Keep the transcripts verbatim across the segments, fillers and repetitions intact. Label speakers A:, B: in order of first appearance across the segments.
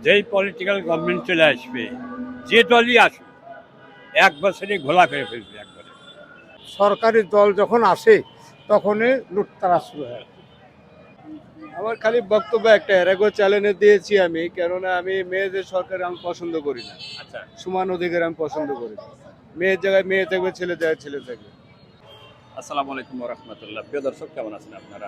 A: যেই political government চলে আসবে, যে দলই আসুক, এক বছরে ঘোলা করে ফেলবে একবারে।
B: সরকারি দল যখন আসে তখনই লুটতারা শুরু হয়।
C: আমার খালি বক্তব্য একটা, এর আগেও চ্যালেঞ্জ দিয়েছি আমি, কেননা আমি মেয়েদের সরকার আমি পছন্দ করি না।
A: আচ্ছা,
C: সমান অধিকার আমি পছন্দ করি না। মেয়ের জায়গায় মেয়ে থাকবে, ছেলে জায়গায় ছেলে থাকবে।
A: আসসালামু আলাইকুম ওয়া রাহমাতুল্লাহ। প্রিয় দর্শক, কেমন আছেন আপনারা?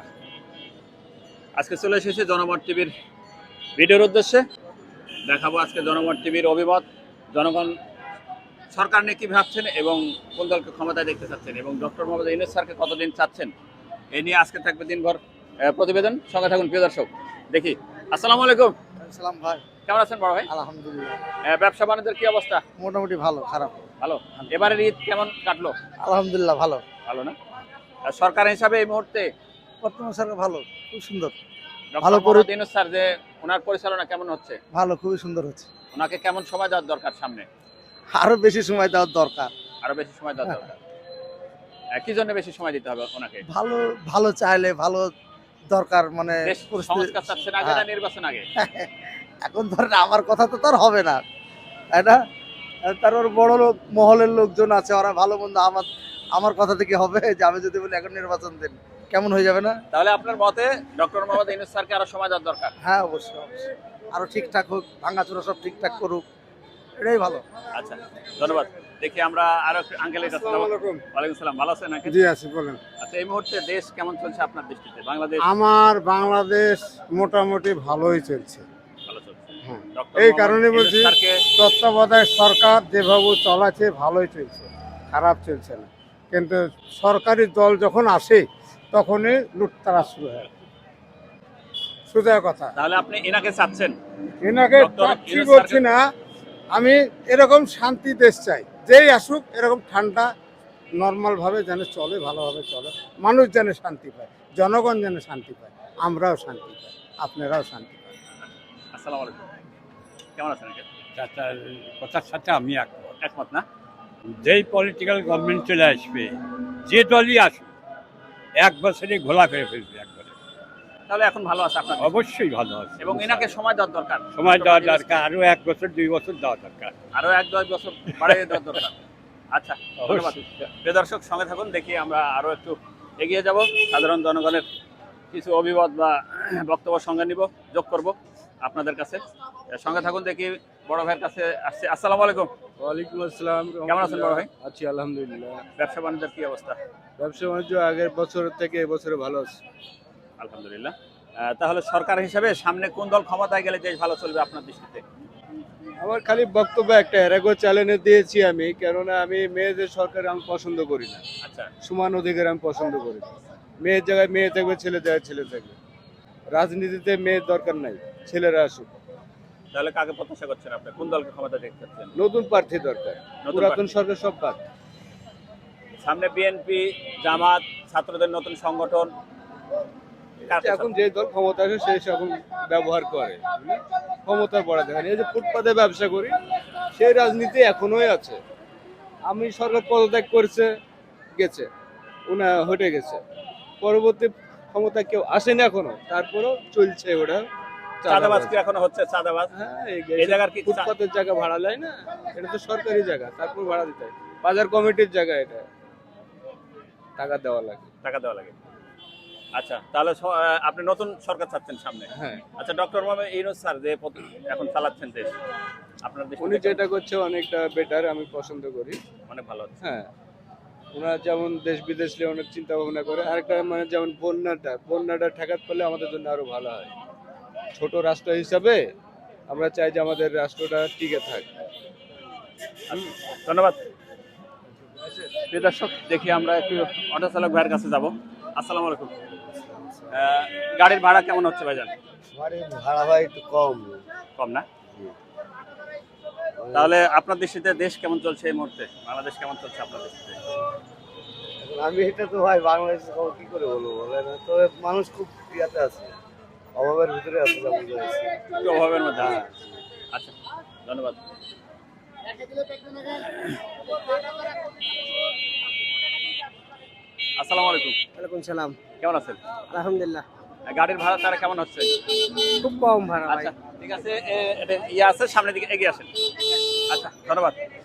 A: আজকে চলে এসেছি জনমত টিভির ভিডিওর উদ্দেশ্যে। দেখাবো আজকে জনমত টিভির অভিমত, জনগণ সরকার নিয়ে কি ভাবছেন এবং কোন দলকে ক্ষমতায় দেখতে চাচ্ছেন এবং ডক্টর মোহাম্মদ ইউনূস স্যারকে কতদিন চাচ্ছেন, এই নিয়ে আজকে থাকবে দিনভর আহ, প্রতিবেদন। সঙ্গে থাকুন প্রিয় দর্শক। দেখি। আসসালামু আলাইকুম।
B: সালাম ভাই,
A: কেমন আছেন বড় ভাই?
B: আলহামদুলিল্লাহ
A: আহ, ব্যবসা বাণিজ্যের কি অবস্থা?
B: মোটামুটি ভালো, খারাপ
A: ভালো। এবারের ঈদ কেমন কাটলো?
B: আলহামদুলিল্লাহ ভালো।
A: ভালো না? আর সরকার হিসাবে এই মুহূর্তে
B: বর্তমান সরকার ভালো, খুব সুন্দর,
A: ডক্টর
B: ভালো করে-
A: মোহাম্মদ ইউনূস স্যার যে ওনার পরিচালনা কেমন হচ্ছে,
B: ভালো, খুবই সুন্দর হচ্ছে।
A: ওনাকে কেমন সময় দেওয়ার দরকার সামনে?
B: আরো বেশি সময় দেওয়ার দরকার।
A: আরো বেশি সময় দেওয়ার দরকার। আহ, কি জন্য বেশি সময় দিতে হবে ওনাকে?
B: ভালো ভালো চাইলে ভালো দরকার, মানে
A: দেশ
B: পরিস্থিতি-
A: সংস্কার চাচ্ছেন আগে না
B: হ্যাঁ।
A: নির্বাচন আগে?
B: এখন ধরেন আমার কথা তো তার হবে না, তাই না? তারপর বড় লোক মহলের লোকজন আছে, ওরা ভালো মন্দ আমার আমার কথা থেকে হবে যে আমি যদি বলি এখন নির্বাচন দেন, কেমন হয়ে যাবে না?
A: তাহলে আপনার মতে ডক্টর মোহাম্মদ ইউনূস স্যারকে আরো সময় দেওয়ার দরকার?
B: হ্যাঁ, অবশ্যই অবশ্যই আরো ঠিকঠাক হোক, ভাঙাচোরা সব ঠিকঠাক করুক, এটাই ভালো।
A: আচ্ছা, ধন্যবাদ। দেখি আমরা আরো একটু আঙ্কেলের কাছে যাবো। ওয়ালাইকুম সালাম, ভালো আছেন আঙ্কেল?
B: জি আছি, বলেন।
A: আচ্ছা, এই মুহূর্তে দেশ কেমন চলছে আপনার দৃষ্টিতে? বাংলাদেশ
B: আমার বাংলাদেশ মোটামুটি ভালোই চলছে।
A: ভালো চলছে।
B: হ্যাঁ,
A: ডক্টর
B: এই
A: মোহাম্মদ
B: কারণে
A: ইউনূস
B: বলছি
A: স্যারকে
B: তত্ত্বাবধায়ক সরকার যেভাবে চলাচ্ছে ভালোই চলছে, খারাপ চলছে না। কিন্তু সরকারি দল যখন আসে তখনই লুটতারা শুরু হয়, সোজা কথা।
A: তাহলে আপনি এনাকে চাচ্ছেন?
B: এনাকে
A: ডক্টর
B: চাচ্ছি
A: ইউনূস
B: বলছি
A: স্যারকে-
B: না, আমি এরকম শান্তি দেশ চাই, যেই আসুক এরকম ঠান্ডা নর্মাল ভাবে যেন চলে, ভালোভাবে চলে, মানুষ যেন শান্তি পায়, জনগণ যেন শান্তি পায়, আমরাও শান্তি পাই, আপনারাও শান্তি পায়।
A: আসসালামু আলাইকুম। কেমন আছেন আঙ্কেল?
D: চাচার কথার সাথে আমি একমত।
A: একমত না?
D: যেই পলিটিক্যাল গভর্নমেন্ট চলে আসবে, যে দলই আসুক, এক বছরে ঘোলা করে ফেলবে একবারে।
A: তাহলে এখন ভালো আছে আপনার দেশ?
D: অবশ্যই ভালো আছে
A: এবং এনাকে সময় দেওয়ার দরকার।
D: সময় দেওয়া দরকার, আরো এক বছর দুই বছর দেওয়া দরকার।
A: আরো এক দশ বছর বাড়িয়ে দেওয়ার দরকার। আচ্ছা, ধন্যবাদ।
D: অবশ্যই।
A: প্রিয় দর্শক, সঙ্গে থাকুন। দেখি আমরা আরো একটু এগিয়ে যাব, সাধারণ জনগণের কিছু অভিমত বা বক্তব্য সঙ্গে নিব, যোগ করব আপনাদের কাছে। সঙ্গে থাকুন। দেখি বড় ভাইয়ের কাছে আসছে। আসসালামু আলাইকুম।
C: ওয়ালাইকুম আসসালাম।
A: কেমন আছেন বড় ভাই?
C: আছি আলহামদুলিল্লাহ।
A: ব্যবসা বাণিজ্যের কি অবস্থা?
C: ব্যবসা বাণিজ্য আগের বছর থেকে এবছরে ভালো আছে।
A: আলহামদুলিল্লাহ। আহ, তাহলে সরকার হিসেবে সামনে কোন দল ক্ষমতায় গেলে দেশ ভালো চলবে আপনার দৃষ্টিতে?
C: আমার খালি বক্তব্য একটা, এর আগেও চ্যালেঞ্জ দিয়েছি আমি, কেননা আমি মেয়েদের সরকার আমি পছন্দ করি না।
A: আচ্ছা,
C: সমান অধিকার আমি পছন্দ করি না। মেয়ের জায়গায় মেয়ে থাকবে, ছেলে জায়গায় ছেলে থাকবে। রাজনীতিতে মেয়ের দরকার নাই, ছেলেরা আসুক।
A: তাহলে কাকে প্রত্যাশা করছেন আপনি? কোন দলকে ক্ষমতা দেখতে চাচ্ছেন?
C: নতুন প্রার্থী দরকার,
A: নতুন
C: পুরাতন সরকার সব বাদ।
A: সামনে বিএনপি, জামাত, ছাত্রদের নতুন সংগঠন, কাকে
C: এখন যে দল ক্ষমতা আসে সেই এখন ব্যবহার করে, ক্ষমতার বড় দেখেন। এই যে ফুটপাতে ব্যবসা করি, সেই রাজনীতি এখনোই আছে। আমি সরকার পদত্যাগ করছে, গেছে, উনা হটে গেছে, পরবর্তী ক্ষমতা কেউ আসেনি এখনো, তারপরেও চলছে ওটা।
A: চাঁদাবাজ কি এখনো হচ্ছে? চাঁদাবাজ
C: হ্যাঁ,
A: এই জায়গার কি
C: ফুটপাতের জায়গা ভাড়া নেয় না, এটা তো সরকারি জায়গা, তারপর ভাড়া দিতে হয়। বাজার কমিটির জায়গা, এটা টাকা দেওয়া লাগে।
A: টাকা দেওয়া লাগে। আচ্ছা, তাহলে স- আহ, আপনি নতুন সরকার চাচ্ছেন সামনে?
C: হ্যাঁ,
A: আচ্ছা, ডক্টর মোহাম্মদ ইউনূস স্যার যে পদ- এখন চালাচ্ছেন দেশ, আপনার দেশ
C: উনি যেটা করছে অনেকটা বেটার, আমি পছন্দ করি।
A: অনেক ভালো হচ্ছে।
C: হ্যাঁ, ওনার যেমন দেশ বিদেশ নিয়ে অনেক চিন্তা ভাবনা করে। আরেকটা মানে যেমন বন্যাটা বন্যাটা ঠেকাতে পারলে আমাদের জন্য আরো ভালো হয়। ছোট রাষ্ট্র হিসাবে আমরা চাই যে আমাদের রাষ্ট্রটা টিকে থাক।
A: ধন্যবাদ। প্রিয় দর্শক, দেখি আমরা একটু অটো চালক ভাইয়ের কাছে যাব। আসসালামু আলাইকুম। আহ, গাড়ির ভাড়া কেমন হচ্ছে ভাইজান?
B: ভাড়া ভাই একটু কম।
A: কম না? তাহলে আপনার দৃষ্টিতে দেশ কেমন চলছে এই মুহূর্তে? বাংলাদেশ কেমন চলছে আপনার দৃষ্টিতে?
B: আমি এটা তো ভাই বাংলাদেশের খবর কি করে বলবো বলেন, তবে মানুষ খুব ইয়াতে আছে, অভাবের ভিতরে আছে, যা বুঝা যাচ্ছে।
A: একটু অভাবের মধ্যে আছে। আচ্ছা, ধন্যবাদ। আসসালামু আলাইকুম।
B: ওয়ালাইকুম সালাম।
A: কেমন আছেন?
B: আলহামদুলিল্লাহ।
A: গাড়ির ভাড়া তারা কেমন হচ্ছে?
E: খুব কম ভাড়া ভাই।
A: আচ্ছা ঠিক আছে, এ- এটা ইয়ে আছে, সামনের দিকে এগিয়ে আসেন। আচ্ছা ধন্যবাদ।